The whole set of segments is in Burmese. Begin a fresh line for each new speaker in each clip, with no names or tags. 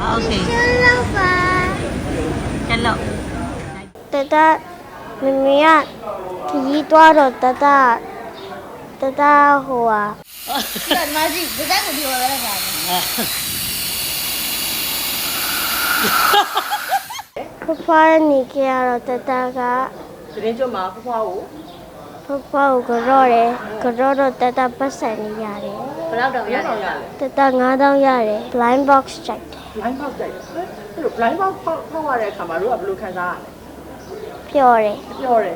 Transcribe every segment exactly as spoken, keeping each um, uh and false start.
Okay.
Hello ba.
Hello.
Tata mimiya kiji twa ro tata tata ho à.
Cái mà gì? Cái cái của điều là cái gì?
Papa ni kia ro tata ka
Jadi cuma aku tahu.
papa ko gro re gro ro tata pasan ni ya re.
Berapa dong ya?
Tata ngã dong ya re. Blind box check.
Blind box တဲ့အဲ့လို blind box ဖောက်ဖောက်ရတဲ့အခါမှာတို့ကဘယ်လိုခံစားရလဲ
ပြောတယ်
ပြောတယ်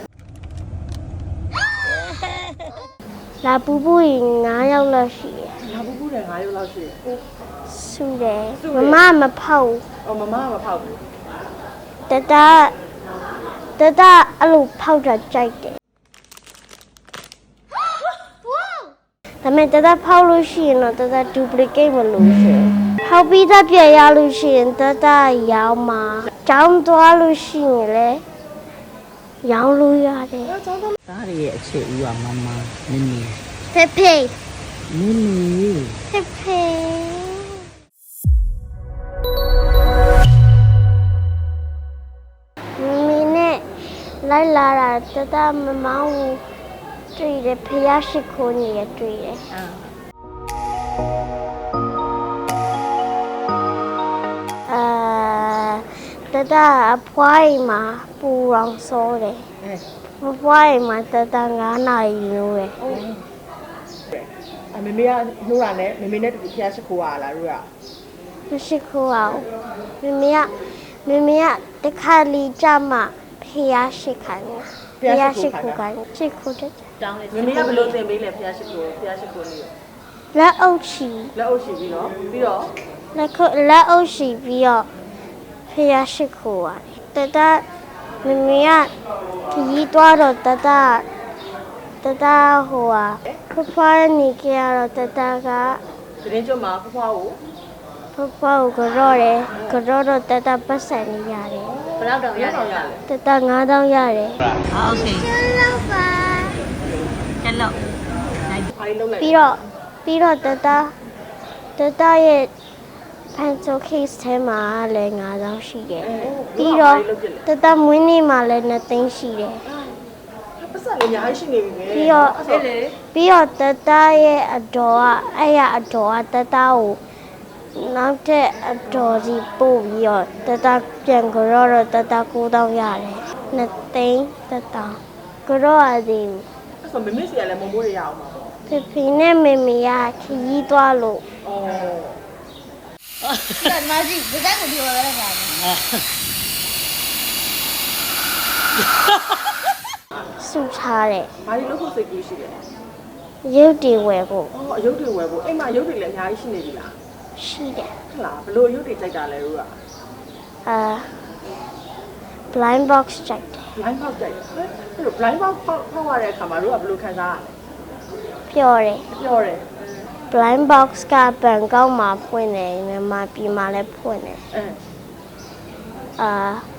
လာပူပူရင်ငါးယောက်လောက်ရှိတယ်
ငါပူပူတယ်ငါးယောက်လောက်ရှိတယ်
ဆူတယ်မမမဖောက်
အော်မမကမဖောက်ဘူး
တတတတအဲ့လိုဖောက်တာကြိုက်တယ်ဒါပေမဲ့တတဖောက်လို့ရှိရင်တော့တတ duplicate မလို့ရှိရင်ဖောက်ပြီးသားပြရလို့ရှိရင်တတရောင်းမှာကျောင်းသွားလို့ရှိရင်လည်းရောင်းလို့ရတယ်
သားတွေရဲ့အခြေဦးကမမမင်းမင်း
ဖေဖေ
မင်းမင်း
ဖေဖေမမီနဲ့လိုက်လာတာတတမမောင်းဘူးတွေ့တယ်ဖယားရှိခိုးနေရတွေ့တယ်အာတတအဖွားအိမ်မှာပူရောင်စောတယ်မဖွားအိမ်မှာတတငါးနာရီလို့ရယ်
အမေမေကနှိုးတာနဲ့မေမေနဲ့တူဖျားရှိခိုးရလားတို့က
မရှိခိုးအောင်မမေကမမေကတခါလီကြမှာဖယားရှိခိုးနေတာဖယားရှိခိုးကရှိခိုးတယ်
Down it.
မေမေကဘယ်လိုသင်ပေးလဲဖျားရှိခိုးဖျားရှိခိုးလေး
လက်အုပ်ချီ
လက်အုပ်ရှိပြီးတော့ပြီးတော့
လက်ခုလက်အုပ်ချီပြီးတော့ဖယားရှိခိုးရတယ်တတမမေကခကြီးသွားတော့တတတတဟိုဟာဖဖားနေကြတော့တတက
သတင်းကျုံမှာဖွားဖွားကို
ဖဖားကိုကြော့တယ်ကြော့တော့တတပတ်စံနေရတယ်
Berapa dong
ရ
ya?
အောင်ရလဲ
တတငါးတောင်းရတယ်
Okay.
Hello ba.
Hello.
ဘာလို့လုံးလိုက်
ပြီးတော့ပြီးတော့တတတတရဲ့ pencil case ထဲမှာလည်းငါးတောင်းရှိတယ်ပြီးတော့တတမွေးနေ့မှာလည်းနှစ်သိန်းရှိတယ်
ပတ်စံလေးအများကြီးရှိနေပြီပဲ
ပြီးတော့
အဲ့လေ
ပြီးတော့တတရဲ့အတော်ကအဲ့ရအတော်ကတတကိုနောက်တဲ့အတော်စီပို့ပြီးတော့တတပြန်ကြတော့တတကိုးတောင်းရတယ်နှစ်သိန်းတတကြတော့အသေးဘူး
အဲ့ဆိုမေမေစီကလည်းမမိုးရရအောင်ပါပေါ့
ဖေဖေနဲ့မေမေကခရီးသွားလို့
အော်
Cái mà gì? Cái cái của điều là cái gì?
စုထားတဲ့
ဘာလို့လို့စိတ်ကူးရှိလဲ
ရုပ်တွေဝယ်ဖို့
အော်အယုတ်တွေဝယ်ဖို့အိမ်မှာအယုတ်တွေလည်းအများကြီးရှိနေပြီလား
ရှိတယ်
ဟုတ်လားဘလို့အယုတ်တွေကြိုက်တာလဲတို့က
အာ blind box check တယ်
blind box ကြိုက်တယ်အဲ့လို blind box ဖောက်ဖောက်ရတဲ့အခါမှာတို့ကဘလို့ခံစားရလဲ
ပြောတယ်
ပြောတယ်
blind box ကဘန်ကောက်မှာဖွင့်တယ်မြန်မာပြည်မှာလည်းဖွင့်တယ်
အဲ
အာ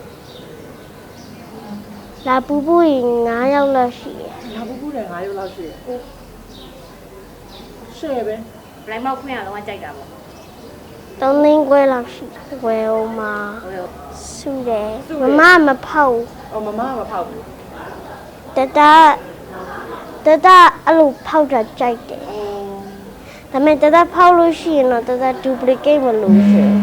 လာပူပူရင်ငါးယောက်လောက်ရှိတယ်
ငါပူပူတယ်ငါးရုပ်လောက်ရှိတယ်ရှယ်ပဲ
Blind box ဖွင့်ရတော့ကြိုက်တာပေါ့
သုံးသိန်းခွဲလောက်ရှိတယ်ဝယ်အောင်မှာ
ဟုတ်ရော
စုတယ်မမမဖောက်ဘူး
အော်မမကမဖောက်ဘူး
တတတတအဲ့လိုဖောက်တာကြိုက်တယ် ဒါပေမဲ့တတဖောက်လို့ရှိရင်တော့တတ duplicate မလို့ရှိရင်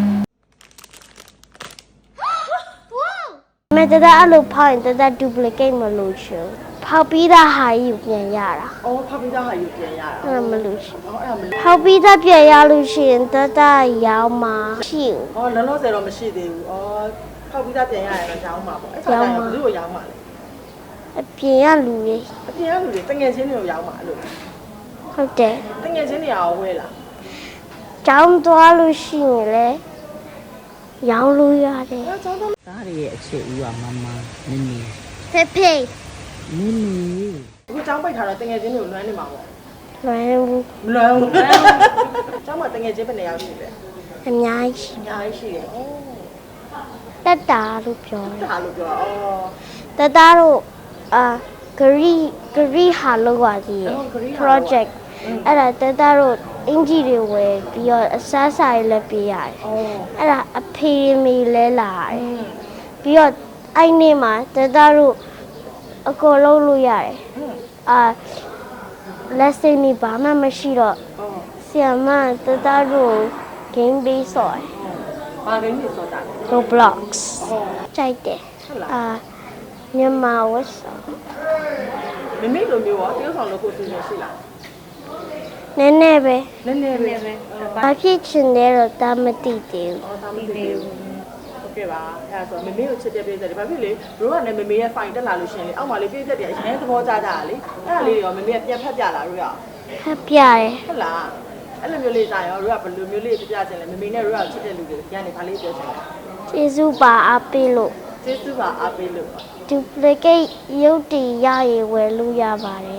ဒါပေမဲ့တတအဲ့လိုဖောက်ရင်တတ duplicate မလို့ရှိရင်ဖောက်ပြီးသားဟာကြီးကိုပြန်ရတာ
အော်ဖောက်ပြီးသားဟာယူပြန်ရတာ
အဲ့ဒါမလို့ရှိရင်
အော်အဲ့ဒါမလို့
ဖောက်ပြီးသားပြန်ရလို့ရှိရင်တတရောင်းမှာရှိဘူး
အော်လောလောဆယ်တော့မရှိသေးဘူးအော်ဖောက်ပြီးသားပြန်ရရင်တော့ရောင်းမှာပေါ့အဲ့ခါကျရင်ဘယ်လိုရောင်းမှာလဲ
အပြင်ကလူတွေ
အပြင်ကလူတွေတငယ်ချင်းတွေကိုရောင်းမှာအဲ့လို
ဟုတ်တယ်
တငယ်ချင်းတွေရောဝဲလား
ကျောင်းသွားလို့ရှိရင်လည်းရောင်းလို့ရတယ်
အဲ့ကျောင်းသား
သားတွေရဲ့အခြေဦးကမမမင်းမင်း
ဖေဖေ
မင်းမင်း
အခုကျောင်းပိတ်ထားတော့တငယ်ချင်းတွေကိုလွမ်းနေမှာပေါ့
လွယ်ဘူး
မလွမ်းဘူးကျောင်းမှာတငယ်ချင်းဘယ်နှစ်ယောက်ရှိလဲ
အများကြီး
အများကြီးရှိတယ်အော်
တက်တာလို့ပြောတယ်
ဒါလို့ပြောအော်
တသားတို့အာဂရီဂရီဟာလောက်ပါသေးတယ် project အဲ့ဒါတသားတို့အင်ဂျီတွေဝယ်ပြီးတော့အစားစာတွေလည်းပေးရတယ်
အော်
အဲ့ဒါအဖေမေလဲလာတယ်ပြီးတော့အဲ့နေ့မှာတတတို့အကောလုံးလို့ရတယ်အာ lesson นี่ဘာမှမရှိတော့
အော်
ဆီယမတတတို့ game base ဆော်တယ်
ဘာကိန်းနေစောတာ
Roblox
အော်
ကြိုက်တယ်
ဟုတ်လား
အာမြန်မာဝတ်ဆော်
မမေလိုမျိုးရောတရုတ်ဆောင်လို့ကိုယ်စီစဉ်ရှိလား
နည်းနည်းပဲ
နည်းနည်းပဲ
ဘာဖြစ်ချင်လဲတော့တာမသိသေးဘူး
အော်ဒါမသိသေးဘူးဟုတ်ကဲ့ပါအဲ့ဒါဆိုမမေကိုချစ်တဲ့ပြည်သက်တွေဘာဖြစ်လဲတို့ကလည်းမမေရဲ့ fine တက်လာလို့ရှင်လေအောက်မှာလေးပြည်သက်တွေအရင်သဘောကျကြတာလေအဲ့ဒါလေးတွေရောမမေကပြန်ဖတ်ပြလာတို့ရ
ဖတ်ပြတယ်
ဟုတ်လားအဲ့လိုမျိုးလေးကြာရောတို့ကဘယ်လိုမျိုးလေးပြပြချင်လဲမမေနဲ့တို့ကချစ်တဲ့လူတွေညနေခါလေးပြောချင်တယ်
ကျေးဇူးပါအားပေးလို့
ကျေးဇူးပါအားပေးလို့
duplicate ရုပ်တည်ရရဝယ်လို့ရပါတယ်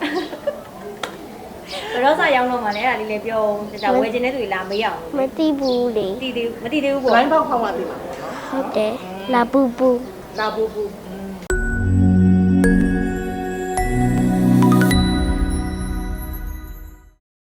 ဘယ်တော့စရောက်တော့မှလဲအဲ့ဒါလေးလည်းပြောဒါဝယ်ခြင်းတဲ့သူတွေလာမေးအောင်
မသိဘူးလေ
မသိသေးဘူးမသိသေးဘူးပေါ့
လိုင်းပေါက်ဖောက်မှသိမှာပေါ့နော်
ဟုတ်တယ်လာပူပူ
လာဘူးဘူး